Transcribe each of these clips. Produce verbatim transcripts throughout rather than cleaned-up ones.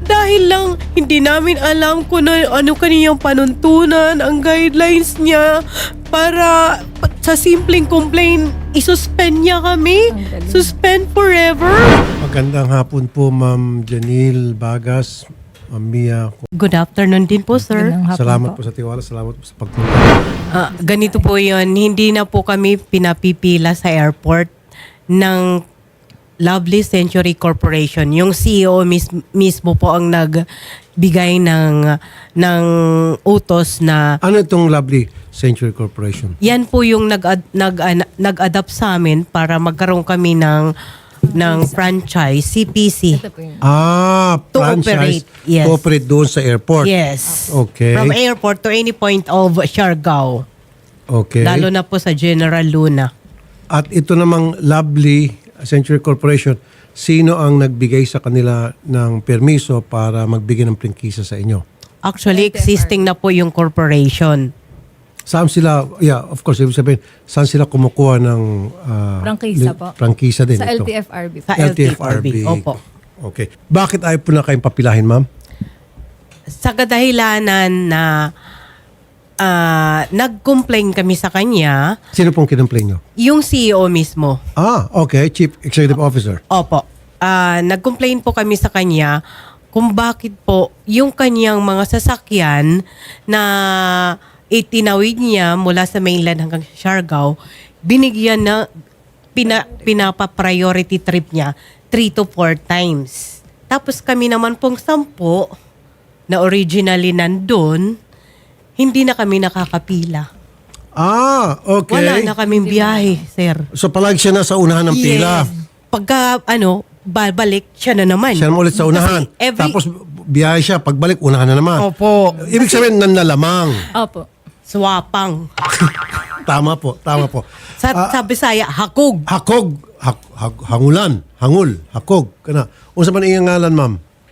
Dahil lang hindi namin alam kung ano, ano kaniyang panuntunan, ang guidelines niya para sa simpleng complaint, isuspend niya kami. Suspend forever. Magandang hapon po, Ma'am Janil Bagas, Ma'am Mia. Good afternoon din po, sir. Salamat po sa tiwala, salamat po sa pagpunta. Ah, ganito po yun, hindi na po kami pinapipila sa airport ng Lovely Century Corporation. Yung C E O mis- mismo po ang nagbigay ng, ng utos na Ano itong Lovely Century Corporation? yan po yung nag, nag, an- nag-adapt sa amin para magkaroon kami ng, ng franchise, C P C. Ah, To franchise. operate, yes. To operate doon sa airport. Yes. Okay. From airport to any point of Siargao. Okay. Lalo na po sa General Luna. At ito namang Lovely Century Corporation, sino ang nagbigay sa kanila ng permiso para magbigay ng prangkisa sa inyo? Actually, existing na po yung corporation. Saan sila, yeah, of course, ibig sabihin, saan sila kumukuha ng ah, Prangkisa li- po. prangkisa din Sa ito? L T F R B. Sa L T F R B. Opo. Okay. Bakit ayaw po na kayong papilahin, ma'am? Sa kadahilanan na ah, nag-complain kami sa kanya, Sino pong kinumplain nyo? yung C E O mismo. Ah, okay. Chief Executive Officer. Opo. Ah, nag-complain po kami sa kanya kung bakit po yung kanyang mga sasakyan na itinawid niya mula sa mainland hanggang Siargao, binigyan na pina, pinapa-priority trip niya three to four times. Tapos kami naman pong sampo na originally nandun, hindi na kami nakakapila. Ah, okay. Wala na kaming biyahe, sir. So palagi siya nasa unahan ng pila. Pagka, ano, babalik, siya na naman. Siya naman ulit sa unahan. Kasi every- Tapos biyahe siya, pagbalik, unahan na naman. Opo. Ibig sabihin, nanlalamang. Opo. Swapang. Tama po, tama po. Sa, Ah, sa Bisaya, hakog. Hakog, hak, hak- hangulan, hangul, hakog. Kana. Unsa man iyang ngalan, ma'am?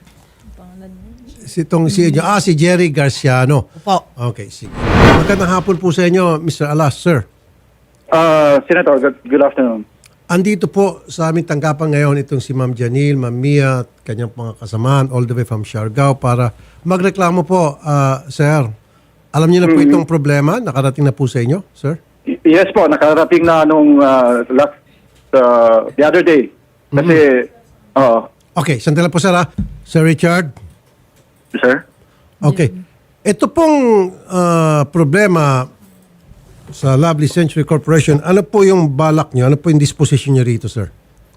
Si tong si Ah, si Jerry Garciano. Opo. Okay, sige. Magandang hapon po sa inyo, Mister Alas, sir. Uh, Senator, good, good afternoon. Andito po sa aming tanggapan ngayon itong si Ma'am Janil, Ma'am Mia at kanyang mga kasamaan all the way from Siargao para magreklamo po, ah, sir. Alam niyo na po itong problema, nakarating na po sa inyo, sir? Y- Yes po, nakarating na nung uh, last, uh, the other day. Kasi, uh, Okay, sandali po, sir, ha? Sir Richard? sir? Okay. Ito pong ah, problema sa Lovely Century Corporation, ano po yung balak niyo? Ano po yung disposition niyo rito, sir?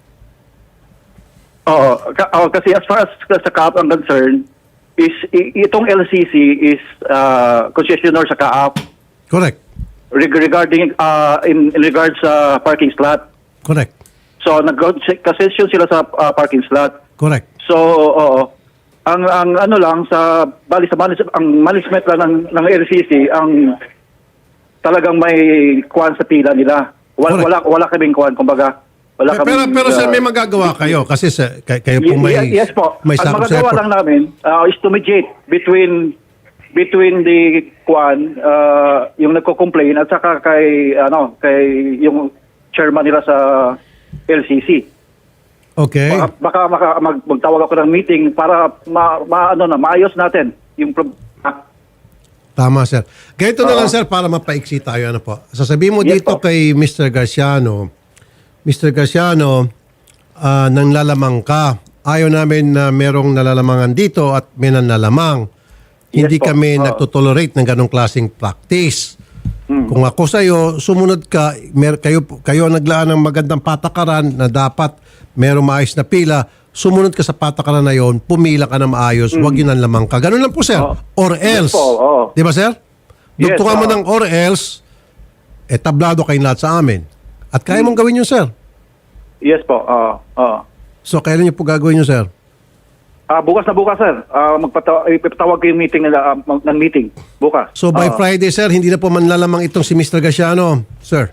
Oo, ka- oh, kasi as far as sa C A A P ang concern, is i- itong L C C is uh, concessionaire sa C A A P Correct. reg- regarding, uh, in, in regards sa parking slot. Correct. So, nag-concession sila sa uh, parking slot. Correct. So, oo. Ang ang ano lang sa bali sa manage, ang management lang ng ng L C C ang talagang may kuwan sa pila nila. Wala Correct. wala, wala kaming kuwan kumbaga. Wala Pero, pero, kaming, pero sir, uh, may magagawa kayo kasi sa, kay- kayo po y- may, y- yes po. may Ang sakop sa magagawa airport. lang namin uh, is to mediate between between the kuwan uh, yung nagko-complain at saka kay ano kay yung chairman nila sa L C C. Okay. Baka, baka maka, mag, magtawag ako ng meeting para ma, ma ano na maayos natin yung problema. Tama, sir. Ganito na Oo. lang, sir, para mapaiksi tayo. Ano po. Sasabihin mo Yes dito po. kay Mister Garciano, Mister Garciano, ah, nang lalamang ka. Ayaw namin na merong nalalamangan dito at may nanlalamang. Hindi Yes po. kami Oo. nagtotolerate ng ganong klaseng practice. Kung ako sa'yo, sumunod ka, mer- kayo, kayo ang naglaan ng magandang patakaran na dapat merong maayos na pila, sumunod ka sa patakaran na yon, pumila ka na maayos, huwag yun ang lamang ka. Ganun lang po, sir. Oo. Or else. Yes po, oo. Di ba, sir? Yes, Dugtungan mo oo. ng or else, eh, tablado kayong lahat sa amin. At kaya mong gawin yun, sir. Yes po. Oo. oo. So, kailan niyo po gagawin yun, sir? Ah, bukas na bukas, sir. Ah, magpataw ipatawag ko yung meeting nila, ah, mag- ng meeting bukas. So, by Ah. Friday, sir, hindi na po manlalamang itong si Mister Garciano, sir.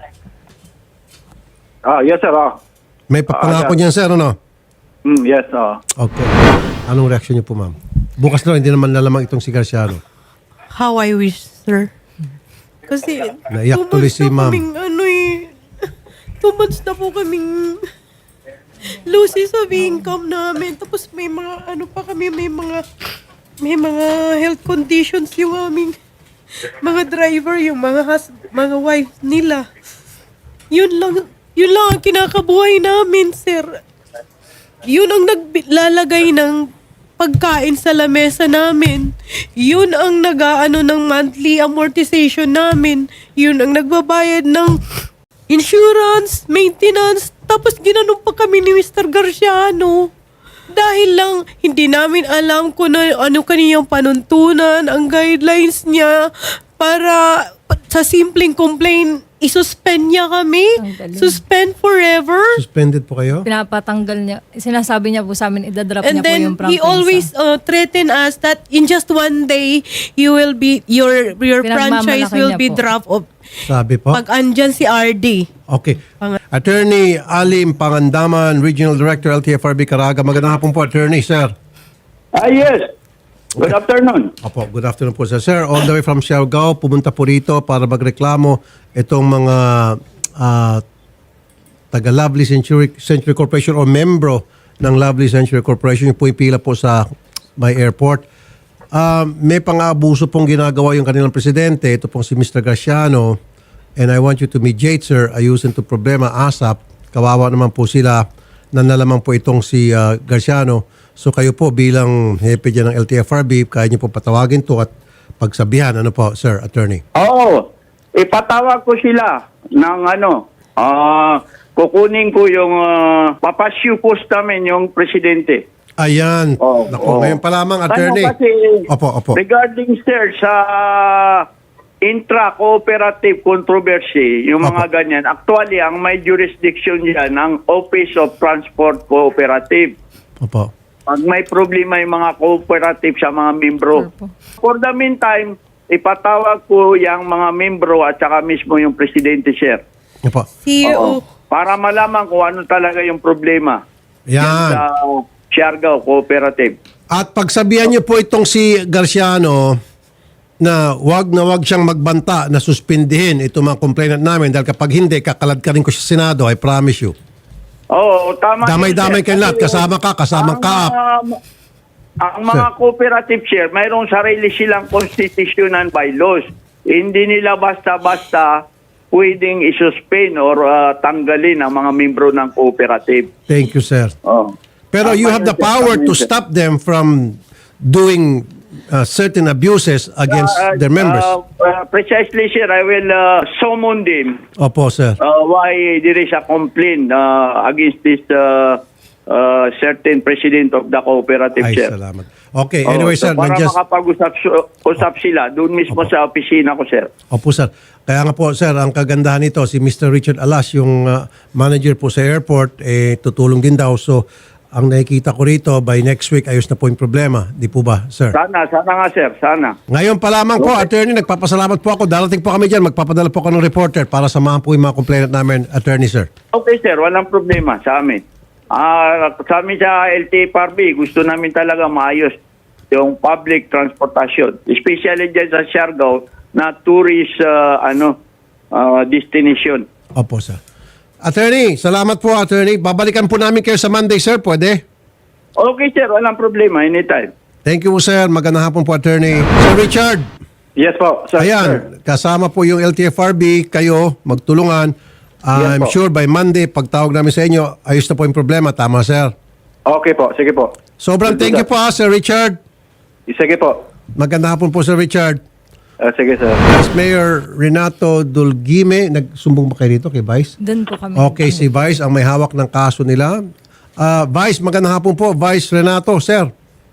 Ah, yes, sir. Ah. May papangako Ah, niyan, sir, ano? Mm, yes, ah. Okay. Anong reaction niyo po, ma'am? Bukas na hindi naman lalamang itong si Garciano. How I wish, sir. Kasi, Naiyak two tuloy months si na ma'am. kaming, ano eh, two months na po kaming losses of income namin. Tapos may mga ano pa kami, may mga may mga health conditions yung aming mga driver, yung mga hus, mga wife nila. Yun lang, yun lang ang kinakabuhay namin, sir. Yun ang naglalagay ng pagkain sa lamesa namin. Yun ang nag-aano ng monthly amortization namin. Yun ang nagbabayad ng insurance, maintenance. Tapos ginanong pa kami ni Mister Garciano. Dahil lang hindi namin alam kung ano, ano kaniyang panuntunan, ang guidelines niya para sa simpleng complaint, isuspend niya kami. Tanggalin. Suspend forever. Suspended po kayo? Pinapatanggal niya. Sinasabi niya po sa amin, idadrop And niya po then yung he prangkisa. always uh, threaten us that in just one day you will be your your franchise Pinagmamalaki will niya be po. dropped off. Sabi po? Pag andyan si R D. Okay. Attorney Alim Pangandaman, Regional Director, L T F R B Caraga. Magandang hapon po, Attorney, sir. Ah, yes. Good afternoon. Opo, good afternoon po, sir. Sir, all the way from Siargao, pumunta po rito para magreklamo itong mga ah, taga Lovely Century, Century Corporation o membro ng Lovely Century Corporation. Yung po ipila po sa may airport. Ah, may pang-aabuso pong ginagawa yung kanilang presidente. Ito pong si Mister Garciano. And I want you to mediate, sir. Ayusin to problema ASAP. Kawawa naman po sila na nalaman po itong si ah, Garciano. So kayo po bilang hepe dyan ng L T F R B, kaya niyo po patawagin to at pagsabihan. Ano po, sir, attorney? Oo. Ipatawag ko sila ng ano, ah, kukunin ko yung uh, papasyu post namin yung presidente. Ayan. Oo, Naku, oo. ngayon pa lamang, attorney. Ano kasi, Opo, opo. regarding sir sa intra-cooperative controversy, yung mga Opo. ganyan, actually, ang may jurisdiction dyan, ang Office of Transport Cooperative. Opo. Pag may problema yung mga cooperative sa mga membro. Sure po. For the meantime, ipatawag ko yung mga membro at saka mismo yung presidente, sir. Opo. C E O. Oo. Para malaman kung ano talaga yung problema Yan. sa Siargao Cooperative. At pagsabihan niyo po itong si Garciano na wag na wag siyang magbanta na suspindihin itong mga complainant namin dahil kapag hindi, kakalad ka rin ko sa Senado, I promise you. Oo, tama. Damay-damay yun, sir. kayo lahat. Kasi, Kasama ka, kasama ang, ka. um, ang mga cooperative, sir, mayroong sarili silang constitution and bylaws. Hindi nila basta-basta pwedeng isuspend or uh, tanggalin ang mga membro ng cooperative. Thank you, sir. Oh. Pero Tama you have yun, the sir. power Tama to yun, sir. stop them from doing uh, certain abuses against Uh, their members. uh, uh, precisely, sir. I will uh, summon them Opo, sir. uh, why there is a complaint uh, against this uh, uh, certain president of the cooperative, Ay, sir. salamat. Okay, Oh, anyway, so sir. para nandiyan- makapag-usap su- usap sila doon mismo Opo. sa opisina ko, sir. Opo, sir. Kaya nga po, sir, ang kagandahan nito, si Mister Richard Alas, yung uh, manager po sa airport, eh, tutulong din daw. So, ang nakikita ko rito, by next week, ayos na po yung problema. Di po ba, sir? Sana, sana nga, sir. Sana. Ngayon pa lamang po, attorney, nagpapasalamat po ako. Darating po kami dyan, magpapadala po ako ng reporter para samahan po yung mga complainant namin, attorney, sir. Okay, sir. Walang problema sa amin. Ah, sa amin sa L T F R B, gusto namin talaga maayos yung public transportation. Especially dyan sa Siargao na tourist uh, ano uh, destination. Opo, sir. Attorney, salamat po, attorney. Babalikan po namin kayo sa Monday, sir. Pwede? Okay, sir. Walang problema. Anytime. Thank you po, sir. Magandang hapon po, attorney. Sir Richard. Yes po, sir. Ayan, sir. kasama po yung L T F R B, kayo, magtulungan. Yes I'm po. sure by Monday, pagtawag namin sa inyo, ayos na po yung problema. Tama, sir. Okay po, sige po. Sobrang thank you po, ha, Sir Richard. Sige po. Magandang hapon po, Sir Richard. Ah, sige, sir. Vice Mayor Renato Dulgime, nagsumbong ba kayo dito kay Vice? Doon po kami. Okay, si Vice ang may hawak ng kaso nila. Ah, Vice, magandang hapon po. Vice Renato, sir.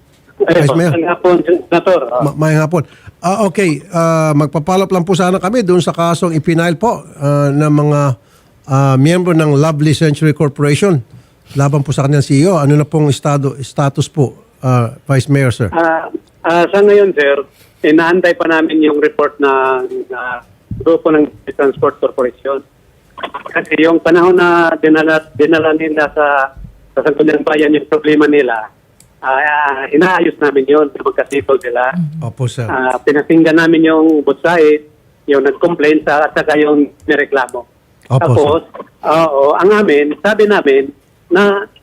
Vice Mayor. hapon, Senator. Ma- may hapon. Ah, okay, ah, magpapalap lang po sana kami doon sa kasong ipinail po ah, ng mga ah, miyembro ng Lovely Century Corporation. Laban po sa kanyang C E O. Ano na pong estado, status po, ah, Vice Mayor, sir? Ah, ah, sa ngayon, sir, inaantay pa namin yung report na, na grupo ng Transport Corporation. Kasi yung panahon na dinala, dinala nila sa, sa Sangguniang Bayan yung problema nila, ah, inaayos namin yun sa magkasipol nila. Opo, sir. Ah, pinakinggan namin yung both side, yung nag-complain sa at saka yung nireklamo. Opo, Tapos, oo, ang amin, sabi namin na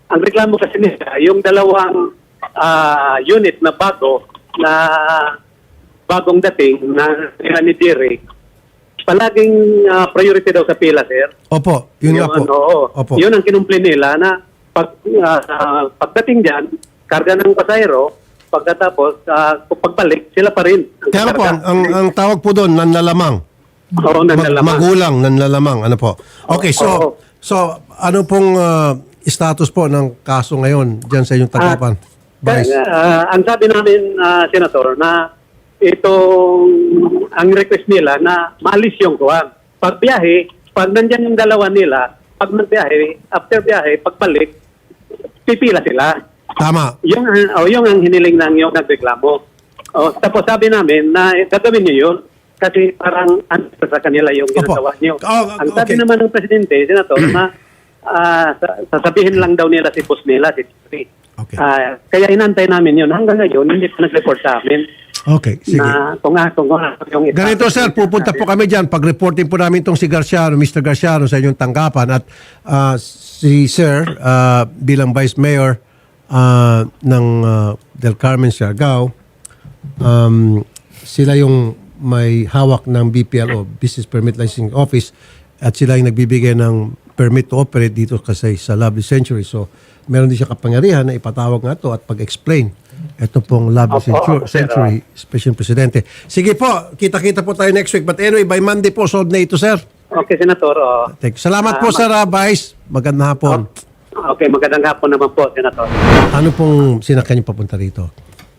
ang reklamo kasi nila, yung dalawang ah, unit na bago, na bagong dating na nila ni Jerry, palaging ah, priority daw sa pila, sir. Opo, yun nga po. Ano, oo. Opo. Yun ang kinumplin nila na pag, ah, ah, pagdating dyan, karga ng pasahero, pagkatapos, uh, pagbalik, sila pa rin. ang Kaya nga po, ang, kakarga. ang, ang tawag po doon, nanlalamang. Oo, Mag- nanlalamang. magulang, nanlalamang. Ano po? Okay, so, Oo. so ano pong ah, status po ng kaso ngayon dyan sa inyong tanggapan? Vice? Kaya, ah, ang sabi namin, ah, Senator, na itong, ang request nila na maalis yung kuwang. Pag biyahe, pag nandyan yung dalawa nila, pag nagbiyahe, after biyahe, pagbalik, pipila sila. Tama. Yung, oh, yung ang hiniling ng yung nagreklamo. Oh, tapos sabi namin na eh, gagawin niyo yun kasi parang ano sa kanila yung Opo. ginagawa niyo. Oh, ang sabi okay. naman ng Presidente, Senator, na ah, sa- sasabihin lang daw nila si boss nila, si Secretary. Okay. Ah, kaya inantay namin yun. Hanggang ngayon, hindi pa nag-report sa amin Okay, sige. na kung nga, kung nga, yung Ganito sir, pupunta po kami dyan. Pag-reporting po namin itong si Garciano, Mister Garciano sa inyong tanggapan at ah, si sir ah, bilang Vice Mayor ah, ng ah, Del Carmen, Siargao, um, sila yung may hawak ng B P L O, Business Permit Licensing Office, at sila yung nagbibigay ng permit to operate dito kasi sa Lovely Century. So, meron din siya kapangyarihan na ipatawag nga to at pag-explain ito pong Lovely Opo, Century, opo, sir. Century Special Presidente. Sige po, kita-kita po tayo next week. But anyway, by Monday po, solve na ito, sir. Okay, Senator. Oh. Thank you. Salamat po, Ah, sir, ah, Vice. Magandang hapon. Okay, magandang hapon naman po, Senator. Ano pong sinakyan niyo papunta rito?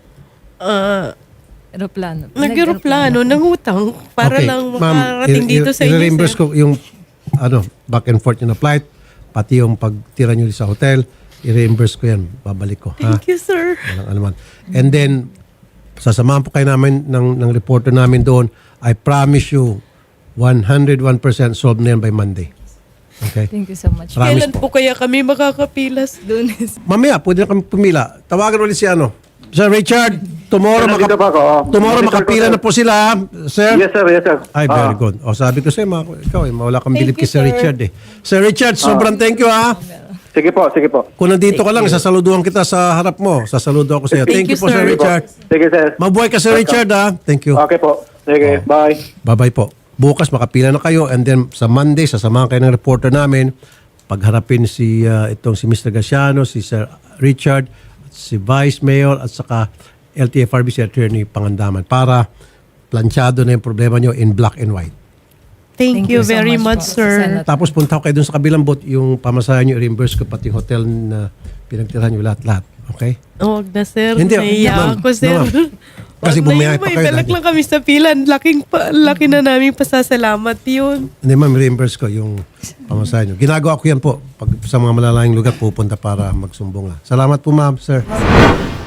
Ah, Aeroplano. nag-aeroplano, nangutang para lang makarating i- dito i- sa inyo, i-reimburse sir. ko yung ano, back and forth yung na flight, pati yung pagtira nyo sa hotel, i-reimburse ko yan. Babalik ko. Ha? Thank you, sir. Walang alaman. And then, sasamahan po kayo namin ng, ng reporter namin doon. I promise you, one hundred one percent solved na yan by Monday. Okay? Thank you so much. Promise Kailan po kaya kami makakapilas? Lunes. Mamaya, pwede na kami pumila. Tawagan ulit si ano. Sir Richard, tomorrow, Sir, maka- nandito pa ako. tomorrow Monitor ko, makapila sir. na po sila, sir. Yes, sir. Yes, sir. Ay, very Ah. good. O, sabi ko sa'yo, mga- ikaw eh, wala kang bilib Thank kay you, Sir sir. Richard eh. Sir Richard, sobrang thank you ha. Sige po, sige po. Kung nandito ka lang, sasaluduhan kita sa harap mo. Sasaludo ako sa iyo. Thank, Thank you you, po, Sir sir. Richard. Sige, sir. Mabuhay ka, Sir Richard ha. Thank you. Okay po. Sige, bye. Bye-bye po. Bukas makapila na kayo and then sa Monday, sasamahan kayo ng reporter namin pagharapin si uh, itong si Mister Garciano, si Sir Richard, at si Vice Mayor at saka L T F R B si Attorney Pangandaman para planchado na yung problema nyo in black and white. Thank, you so very much much, po, sir. Senator. Tapos punta ko kayo dun sa kabilang boat, yung pamasahe nyo, i-reimburse ko pati yung hotel na pinagtirahan nyo lahat-lahat. Okay? Huwag na, sir. Hindi, Naiya ma'am. ako, sir. No, ma'am. Kasi Wag na bumiyay yun, pa may kayo balak dati. lang kami sa pila. Laking, pa, laki na namin pasasalamat yun. Hindi ma'am, reimburse ko yung pamasahe nyo. Ginagawa ko yan po. Pag sa mga malalayang lugar, pupunta para magsumbong. Salamat po ma'am, sir.